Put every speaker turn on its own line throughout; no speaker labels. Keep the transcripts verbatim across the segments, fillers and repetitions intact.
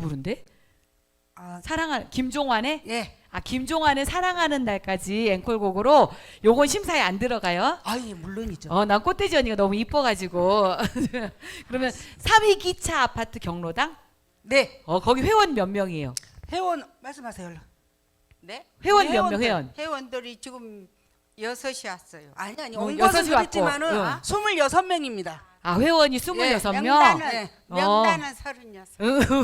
부른대?
아,
사랑하 김종환의
예.
아 김종환의 사랑하는 날까지 앵콜곡으로 요건 심사에 안 들어가요?
아, 예, 물론이죠.
어, 난 꽃돼지 언니가 너무 이뻐가지고 그러면 삼 위 기차 아파트 경로당?
네.
어 거기 회원 몇 명이에요?
회원 말씀하세요. 얼른.
네?
회원 몇
회원들,
명, 회원?
회원들이 지금 여섯이 왔어요.
아니 아니.
어,
온
여섯이
것은 그렇지만은
왔고, 응.
스물여섯 명입니다.
아 회원이 스물여섯 명?
명단은
네.
명단은 서른여섯.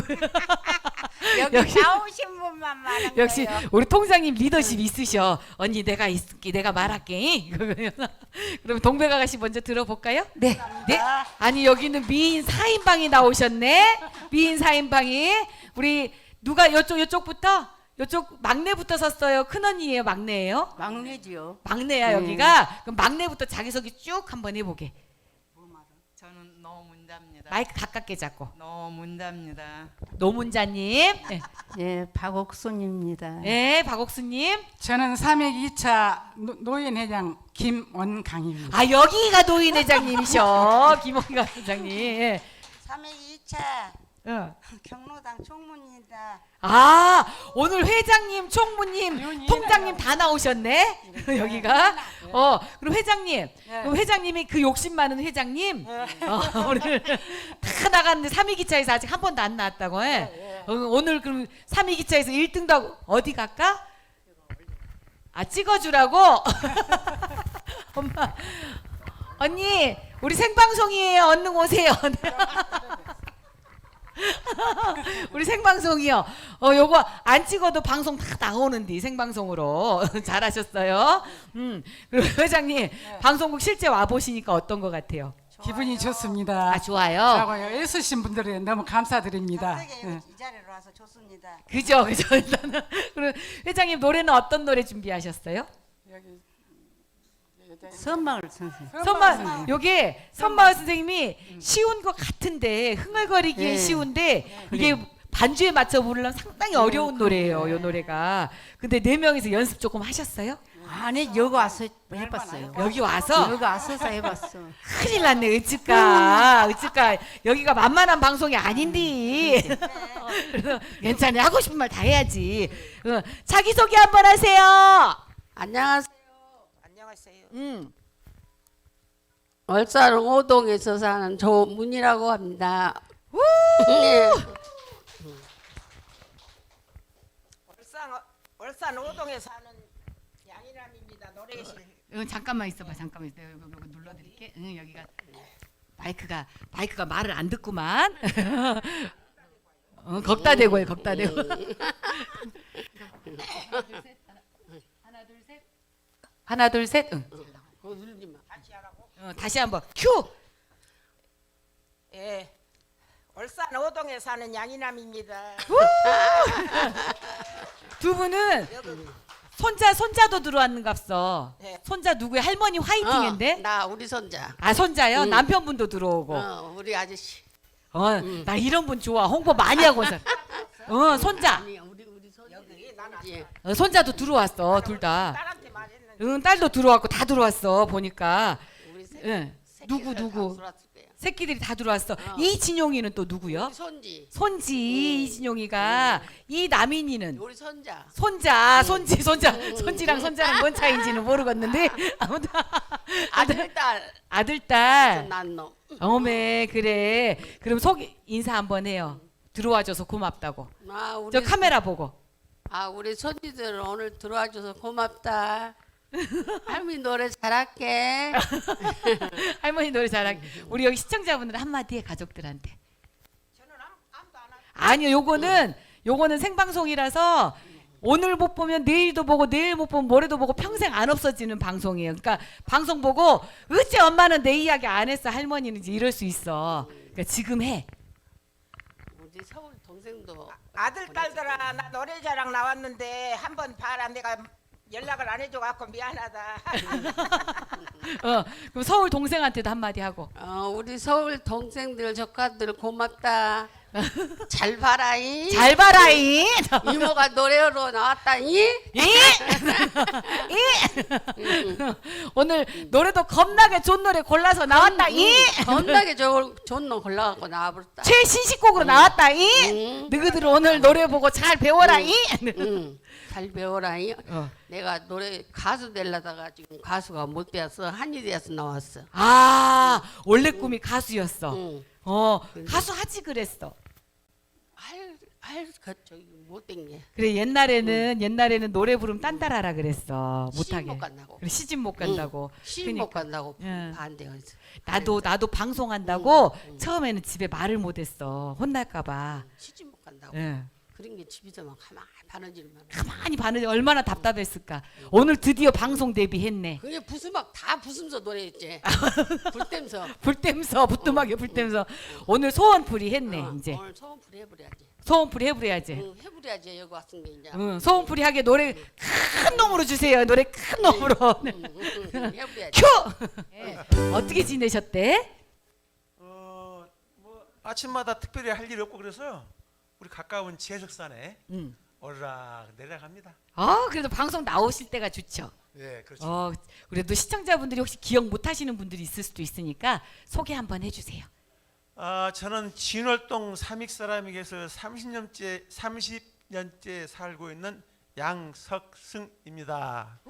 여기
역시-
나오신 분만 말한
역시
거예요.
우리 통장님 리더십 있으셔. 언니 내가 있을게, 내가 말할게. 그럼 동백 아가씨 먼저 들어볼까요?
네.
네. 아니 여기는 미인 사 인방이 나오셨네. 미인 사 인방이 우리 누가 이쪽 이쪽부터 이쪽 막내부터 섰어요. 큰 언니예요, 막내예요?
막내지요.
막내야
네.
여기가. 그럼 막내부터 자기소개 쭉 한번 해보게.
저는 노문자입니다.
마이크 가깝게 잡고.
노문자입니다.
노문자님. 네,
예, 박옥순입니다.
네 박옥수님.
저는 삼백 이 차 노인회장 김원강입니다.
아 여기가 노인 회장님이셔. 김홍가 회장님. 예.
삼백이 차
어.
경로당 총무입니다.
아 오늘 회장님, 총무님,
의원님.
통장님 다 나오셨네. 여기가. 어 그럼 회장님, 그럼 회장님이 그 욕심 많은 회장님. 어, 오늘 다 나갔는데 삼 위 기차에서 아직 한 번도 안 나왔다고 해. 어, 오늘 그럼 삼 위 기차에서 일 등도 하고 어디 갈까? 아 찍어주라고. 엄마, 언니 우리 생방송이에요. 얼른 오세요. 우리 생방송이요. 어 요거 안 찍어도 방송 다 나오는데 생방송으로 잘하셨어요. 음 그리고 회장님 방송국 실제 와 보시니까 어떤 것 같아요?
기분이 좋습니다.
아 좋아요.
하고요. 애쓰신 분들에 너무 감사드립니다.
갑자기
예.
이 자리로 와서 좋습니다.
그죠 그죠. 일단은 그리고 회장님 노래는 어떤 노래 준비하셨어요?
여기
선마을 선생.
선마 요게 선마을 선생님이 쉬운 것 같은데 흥얼거리기엔
네.
쉬운데 이게 반주에 맞춰 부르려면 상당히 어려운 노래예요. 요 노래가. 근데 네 명이서 연습 조금 하셨어요?
아니 여기 와서 해봤어요.
여기 와서
여기 와서서 해봤어.
큰일 났네. 어찌까 어찌까 여기가 만만한 방송이 아닌데. 그래서 괜찮아. 하고 싶은 말 다 해야지. 어, 자기소개 한번 하세요.
안녕하세요.
안녕하세요.
음.
월산 오동에서 사는 조문이라고 합니다. 네.
월산 월산 오동에 사는 양이람입니다. 노래실.
어, 잠깐만 있어봐. 잠깐만 있어. 여기, 여기 눌러드릴게. 응, 여기가 마이크가 마이크가 말을 안 듣구만. 어, 겁다 대고 해. 겁다 대고. 하나 둘 셋. 하나 둘 셋. 응.
그거 누르지 마.
어, 다시 한번 큐.
예. 월산 오동에 사는 양이남입니다.
두 분은 손자 손자도 들어왔는갑서.
네.
손자 누구야? 할머니 화이팅인데?
어, 나 우리 손자.
아 손자요?
응.
남편분도 들어오고.
어, 우리 아저씨.
어, 나 이런 분 좋아. 홍보 많이 하고 사. 어, 손자.
아니 우리 우리 손자.
여기 나는
예.
어, 손자도 들어왔어. 둘 다.
딸한테 말했는데
응, 딸도 들어왔고 다 들어왔어. 보니까.
우리 새,
응. 누구
새끼들
누구?
다 들어왔을 거야.
새끼들이 다 들어왔어.
어.
이진용이는 또 누구요?
우리 손지.
손지 이진용이가. 이 남인이는
우리 손자.
손자, 손지, 손자, 손지랑 손자랑 뭔 차이인지는 모르겠는데 아무튼
아들 딸.
아들 딸.
난 놈.
어메 그래. 그럼 속 인사 한번 해요. 들어와줘서 고맙다고.
아 우리
저 카메라 보고.
아 우리 손지들 오늘 들어와줘서 고맙다. 할머니 노래 잘할게.
할머니 노래 잘하게. 우리 여기 시청자분들 한마디 해 가족들한테.
저는 아무, 아무도 안 하고
아니요, 요거는 요거는 생방송이라서 오늘 못 보면 내일도 보고 내일 못 보면 모레도 보고 평생 안 없어지는 방송이에요. 그러니까 방송 보고 어째 엄마는 내 이야기 안 했어 할머니는 이제 이럴 수 있어. 그러니까 지금 해.
우리 서울 동생도
아들 딸들아 나 노래자랑 나왔는데 한번 봐라. 내가 연락을 안 해줘 갖고 미안하다.
어, 그럼 서울 동생한테도 한마디 하고.
어, 우리 서울 동생들 조카들 고맙다. 잘 봐라이.
잘 봐라이.
이모가 노래로 나왔다이.
이? 이? 오늘 노래도 겁나게 좋은 노래 골라서 나왔다. 이?
겁나게 좋은 좋은 놈 골라갖고 나와버렸다.
최신식곡으로 나왔다. 이?
응.
너희들 오늘 노래 보고 잘 배워라. 이?
응. 잘 배워라이.
어.
내가 노래 가수 되려다가 지금 가수가 못 되어서 한이 되어서 나왔어.
아, 원래 꿈이 가수였어.
응.
어, 가수 하지 그랬어.
할할그 저기 못된 게.
그래 옛날에는 옛날에는 노래 부르면 딴따라라 그랬어. 못하게.
시집 못 간다고.
그래 시집 못 간다고.
시집 못 간다고
응.
반대했어.
나도 나도 방송한다고
응, 응.
처음에는 집에 말을 못했어. 혼날까봐.
시집 못 간다고.
예.
그런 게 집에서만 가만히 바느질만.
가만히 봤는데 얼마나 답답했을까. 오늘 드디어 방송 데뷔했네.
그게 부수막 다 부수면서 노래했지. 불땜서.
불땜서 부뚜막에 불땜서 오늘 소원풀이 했네.
어,
이제
오늘 소원풀이 해버려야지.
소원풀이 해버려야지.
응, 해버려야지 여기 왔은 게 이제.
응, 소원풀이 하게 노래 큰 놈으로 주세요. 노래 큰 놈으로.
응, 응, 응, 해버려야지.
큐. 예. 어떻게 지내셨대?
어, 뭐 아침마다 특별히 할 일이 없고 그래서요. 우리 가까운 지해석산에
응.
오르락 내려갑니다.
아 그래도 방송 나오실 때가 좋죠.
예, 그렇죠.
어 그래도 시청자분들이 혹시 기억 못하시는 분들이 있을 수도 있으니까 소개 한번 해주세요.
아, 저는 진월동 삼익 사람에게서 삼십 년째 삼십 년째 살고 있는 양석승입니다.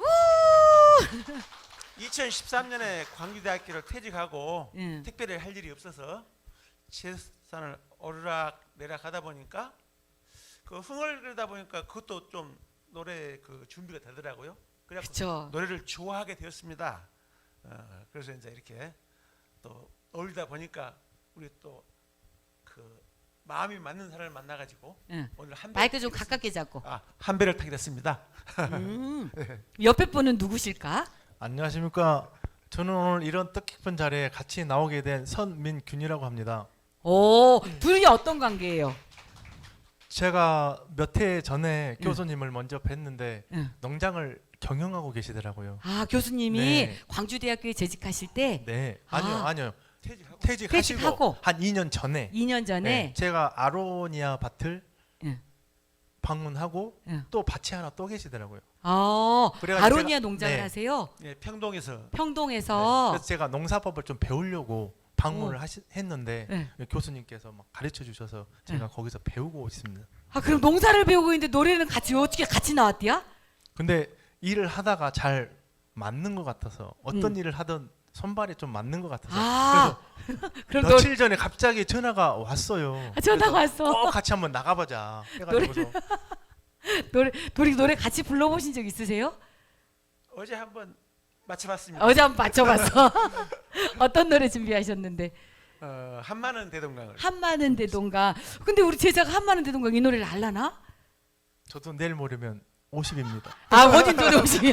이천십삼 년에 광주대학교를 퇴직하고
응.
특별히 할 일이 없어서 지해산을 오르락 내려가다 보니까 그 흥얼거리다 보니까 그것도 좀 노래 그 준비가 되더라고요. 그래서
그쵸.
노래를 좋아하게 되었습니다. 어, 그래서 이제 이렇게 또 어울리다 보니까 우리 또 그 마음이 맞는 사람을 만나가지고
응.
오늘 한
마이크 좀 가깝게 잡고.
아, 한 배를 타게 됐습니다.
음. 옆에 분은 누구실까?
안녕하십니까. 저는 오늘 이런 뜻깊은 자리에 같이 나오게 된 선민균이라고 합니다.
오 둘이 어떤 관계예요?
제가 몇 해 전에
응.
교수님을 먼저 뵀는데
응.
농장을 경영하고 계시더라고요.
아 교수님이
네.
광주대학교에 재직하실 때
네, 아니요,
아.
아니요.
퇴직하고
퇴직하시고
퇴직하고.
한 이 년 전에
이 년 전에
네, 제가 아로니아 밭을
응.
방문하고
응.
또 밭이 하나 또 계시더라고요.
아
그래가지고
아로니아
제가-
농장을
네.
하세요?
예, 평동에서
네,
평동에서
그래서 제가 농사법을 좀 배우려고 방문을
어.
하시, 했는데
네.
교수님께서 막 가르쳐 주셔서 제가 거기서 배우고 있습니다.
아 그럼 농사를 배우고 있는데 노래는 같이 어떻게 같이 나왔대요?
근데 일을 하다가 잘 맞는 것 같아서 어떤
음.
일을 하든 손발이 좀 맞는 것 같아서
아 그럼
그래서 며칠 전에 갑자기 전화가 왔어요.
아, 전화
그래서
왔어.
꼭 같이 한번 나가보자 해가지고서
노래 노래 노래 같이 불러보신 적 있으세요?
어제 한번 맞춰봤습니다.
어제 한번 맞춰봤어. 어떤 노래 준비하셨는데?
어, 한마는 대동강을.
한마는 대동강. 근데 우리 제자가 한마는 대동강 이 노래를 알라나?
저도 내일 모레면 오십입니다.
아 원인 노래 오시면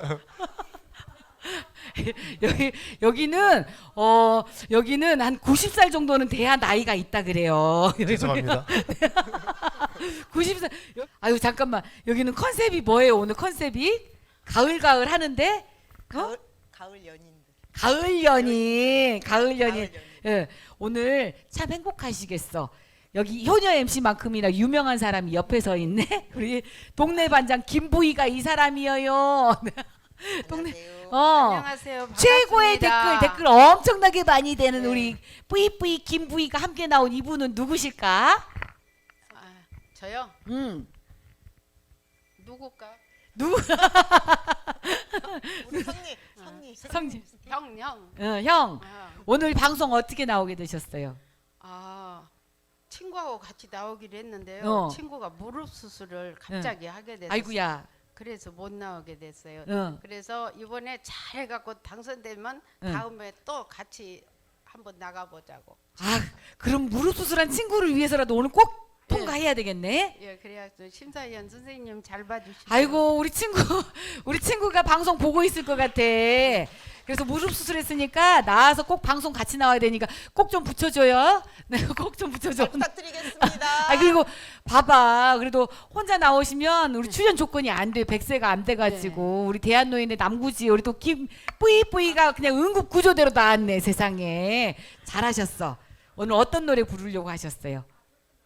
여기 여기는 어 여기는 한 구십 살 정도는 돼야 나이가 있다 그래요.
죄송합니다.
구십 살. 아유 잠깐만 여기는 컨셉이 뭐예요 오늘 컨셉이? 가을 가을 하는데 어?
가을 연인들.
가을 연인, 가을 연인. 예, 오늘 참 행복하시겠어. 여기 효녀 엠씨만큼이나 유명한 사람이 옆에 서 있네. 우리 동네 반장 김부희가 이 사람이에요. 동네 어
안녕하세요.
최고의
반갑습니다.
댓글 댓글 엄청나게 많이 되는
네.
우리 뿌이뿌이 김부희가 함께 나온 이분은 누구실까?
아, 저요?
음
누굴까?
누구?
우리 성리, 성리,
성지.
형, 형.
어, 형
아,
오늘 방송 어떻게 나오게 되셨어요?
아, 친구하고 같이 나오기로 했는데요.
어.
친구가 무릎 수술을 갑자기 하게 됐어요.
아이구야.
그래서 못 나오게 됐어요.
어.
그래서 이번에 잘 해갖고 당선되면
응.
다음에 또 같이 한번 나가보자고.
아 그럼 무릎 수술한 친구를 위해서라도 오늘 꼭 통과해야 되겠네.
예, 그래서 심사위원 선생님 잘 봐주시고.
아이고 우리 친구 우리 친구가 방송 보고 있을 것 같아. 그래서 무릎 수술했으니까 나와서 꼭 방송 같이 나와야 되니까 꼭 좀 붙여줘요. 네, 꼭 좀 붙여줘.
부탁드리겠습니다.
아 그리고 봐봐. 그래도 혼자 나오시면 우리 출연 조건이 안 돼. 백세가 안 돼가지고 우리 대한노인의 남구지 우리 또 김 뿌이뿌이가 그냥 응급 구조대로 나왔네 세상에. 잘하셨어. 오늘 어떤 노래 부르려고 하셨어요?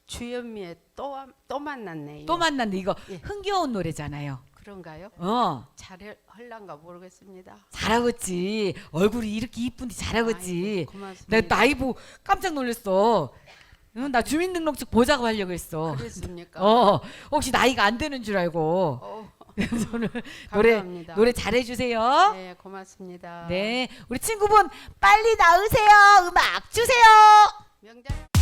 주현미의 또 또 만났네.
또 만났네. 이거
예.
흥겨운 노래잖아요.
그런가요?
어.
잘 할란가 모르겠습니다.
잘하겠지. 얼굴이 이렇게 이쁜데 잘하겠지.
아이고, 고맙습니다.
내가 나이 보고 깜짝 놀랐어. 응, 나 주민등록증 보자고 하려고 했어.
그랬습니까?
어, 혹시 나이가 안 되는 줄 알고.
어,
그래서 오늘 노래
감사합니다.
노래 잘해주세요.
네, 고맙습니다.
네, 우리 친구분 빨리 나으세요. 음악 주세요.
명장.